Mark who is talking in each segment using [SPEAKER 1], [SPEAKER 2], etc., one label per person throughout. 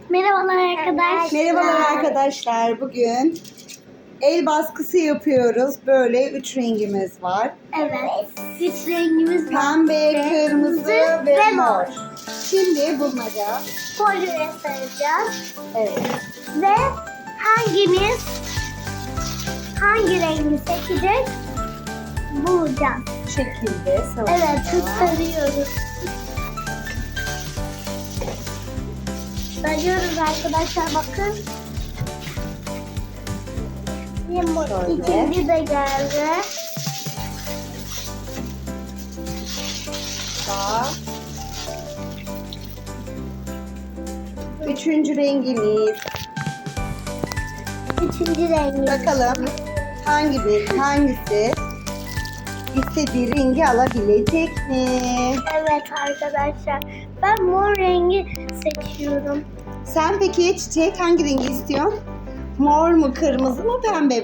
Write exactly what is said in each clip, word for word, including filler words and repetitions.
[SPEAKER 1] Merhabalar arkadaşlar.
[SPEAKER 2] Merhabalar arkadaşlar. Bugün el baskısı yapıyoruz. Böyle üç rengimiz var.
[SPEAKER 1] Evet. Üç rengimiz var.
[SPEAKER 2] Pembe, kırmızı ve,
[SPEAKER 1] ve
[SPEAKER 2] mor.
[SPEAKER 1] mor.
[SPEAKER 2] Şimdi bulmaca.
[SPEAKER 1] Folyoya saracağız.
[SPEAKER 2] Evet.
[SPEAKER 1] Ve hangimiz hangi rengi seçecek bulacağız.
[SPEAKER 2] Bu şekilde
[SPEAKER 1] Evet,
[SPEAKER 2] savaşacağız.
[SPEAKER 1] sarıyoruz. Sarıyoruz arkadaşlar, bakın. Limon
[SPEAKER 2] Şöyle.
[SPEAKER 1] ikinci de geldi.
[SPEAKER 2] Daha. Üçüncü rengimiz.
[SPEAKER 1] Üçüncü rengi.
[SPEAKER 2] Bakalım hangi bir, hangisi istediği rengi alabilecek mi?
[SPEAKER 1] Evet arkadaşlar. Ben mor rengi seçiyorum.
[SPEAKER 2] Sen peki Çiçek hangi rengi istiyorsun? Mor mu, kırmızı mı, pembe mi?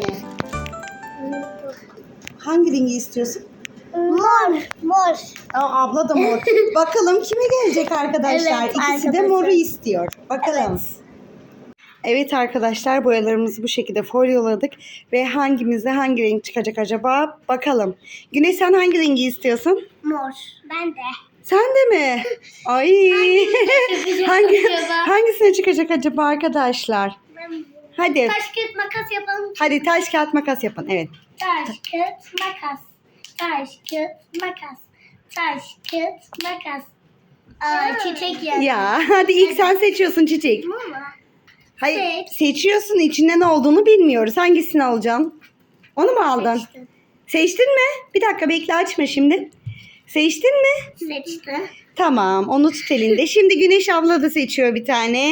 [SPEAKER 2] Hangi rengi istiyorsun?
[SPEAKER 1] Mor. Mor.
[SPEAKER 2] Aa, abla da mor. Bakalım kime gelecek arkadaşlar?
[SPEAKER 1] Evet,
[SPEAKER 2] İkisi de
[SPEAKER 1] arkadaşlar.
[SPEAKER 2] moru istiyor. Bakalım.
[SPEAKER 1] Evet.
[SPEAKER 2] Evet arkadaşlar, boyalarımızı bu şekilde folyoladık ve hangimizde hangi renk çıkacak acaba? Bakalım. Güneş, sen hangi rengi istiyorsun?
[SPEAKER 1] Mor. Ben de.
[SPEAKER 2] Sen de mi? Ay.
[SPEAKER 1] çıkacak
[SPEAKER 2] Hangi
[SPEAKER 1] acaba?
[SPEAKER 2] hangisine çıkacak acaba arkadaşlar? Hadi.
[SPEAKER 1] Taş kağıt makas yapalım.
[SPEAKER 2] Hadi taş kağıt makas yapın. Evet.
[SPEAKER 1] Taş kağıt makas. Taş kağıt makas. Taş kağıt makas. Aa, çiçek geldi.
[SPEAKER 2] Ya hadi ilk sen seçiyorsun Çiçek.
[SPEAKER 1] Mama.
[SPEAKER 2] Hayır,
[SPEAKER 1] Seç.
[SPEAKER 2] seçiyorsun, içinde ne olduğunu bilmiyoruz. Hangisini alacaksın? Onu mu aldın?
[SPEAKER 1] Seçtim.
[SPEAKER 2] Seçtin mi? Bir dakika bekle, açma şimdi. Seçtin mi?
[SPEAKER 1] Seçti.
[SPEAKER 2] Tamam, onu tut elinde. Şimdi Güneş abla da seçiyor bir tane.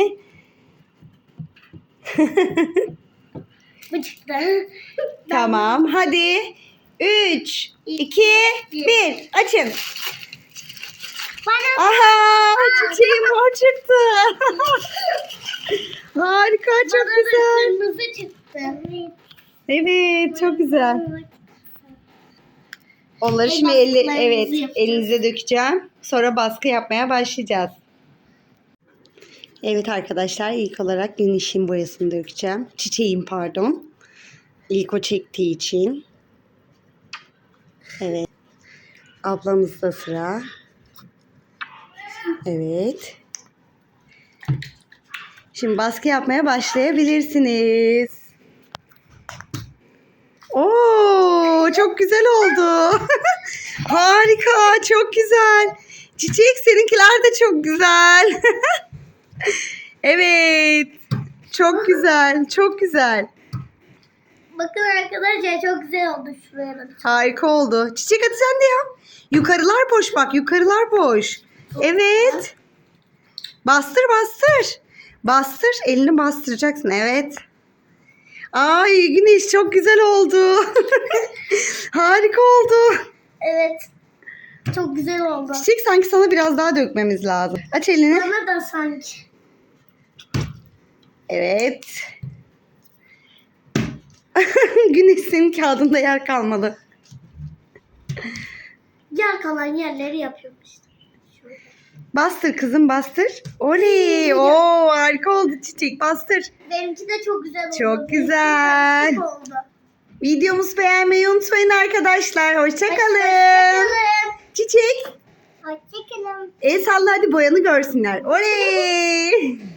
[SPEAKER 1] Bu çıktı.
[SPEAKER 2] Tamam, hadi. üç, iki, bir. Açın.
[SPEAKER 1] Bana
[SPEAKER 2] Aha, çiçeğim mor çıktı. Harika, çok
[SPEAKER 1] bana da
[SPEAKER 2] güzel.
[SPEAKER 1] kırmızı çıktı.
[SPEAKER 2] Evet, çok güzel. Onları şimdi elle,
[SPEAKER 1] baskılarımızı
[SPEAKER 2] evet,
[SPEAKER 1] yapacağız.
[SPEAKER 2] elinize dökeceğim. Sonra baskı yapmaya başlayacağız. Evet arkadaşlar, ilk olarak Güneş'in boyasını dökeceğim. Çiçeğin pardon. İlk o çektiği için. Evet. Ablamızda sıra. Evet. Şimdi baskı yapmaya başlayabilirsiniz. Oo, çok güzel oldu. Harika, çok güzel. Çiçek, seninkiler de çok güzel. Evet. Çok güzel, çok güzel.
[SPEAKER 1] Bakın arkadaşlar, çok güzel oldu şuraya da.
[SPEAKER 2] Harika oldu. Çiçek, hadi sen de yap. Yukarılar boş bak, yukarılar boş. Evet. Bastır, bastır. Bastır, elini bastıracaksın. Evet. Ay Güneş, çok güzel oldu. Harika oldu.
[SPEAKER 1] Evet. Çok güzel oldu.
[SPEAKER 2] Çiçek, sanki sana biraz daha dökmemiz lazım. Aç elini.
[SPEAKER 1] Bana da sanki.
[SPEAKER 2] Evet. Güneş, senin kağıdında yer kalmadı.
[SPEAKER 1] Yer kalan yerleri yapıyorum işte. Şöyle.
[SPEAKER 2] Bastır kızım, bastır. Oley. Oo, harika oldu Çiçek. Bastır.
[SPEAKER 1] Benimki de çok güzel oldu.
[SPEAKER 2] Çok güzel.
[SPEAKER 1] Benimki karışık oldu.
[SPEAKER 2] Videomuzu beğenmeyi unutmayın arkadaşlar. Hoşçakalın.
[SPEAKER 1] Hoşçakalın.
[SPEAKER 2] Çiçek.
[SPEAKER 1] Hoşçakalın.
[SPEAKER 2] El salla, hadi boyanı görsünler. Oley.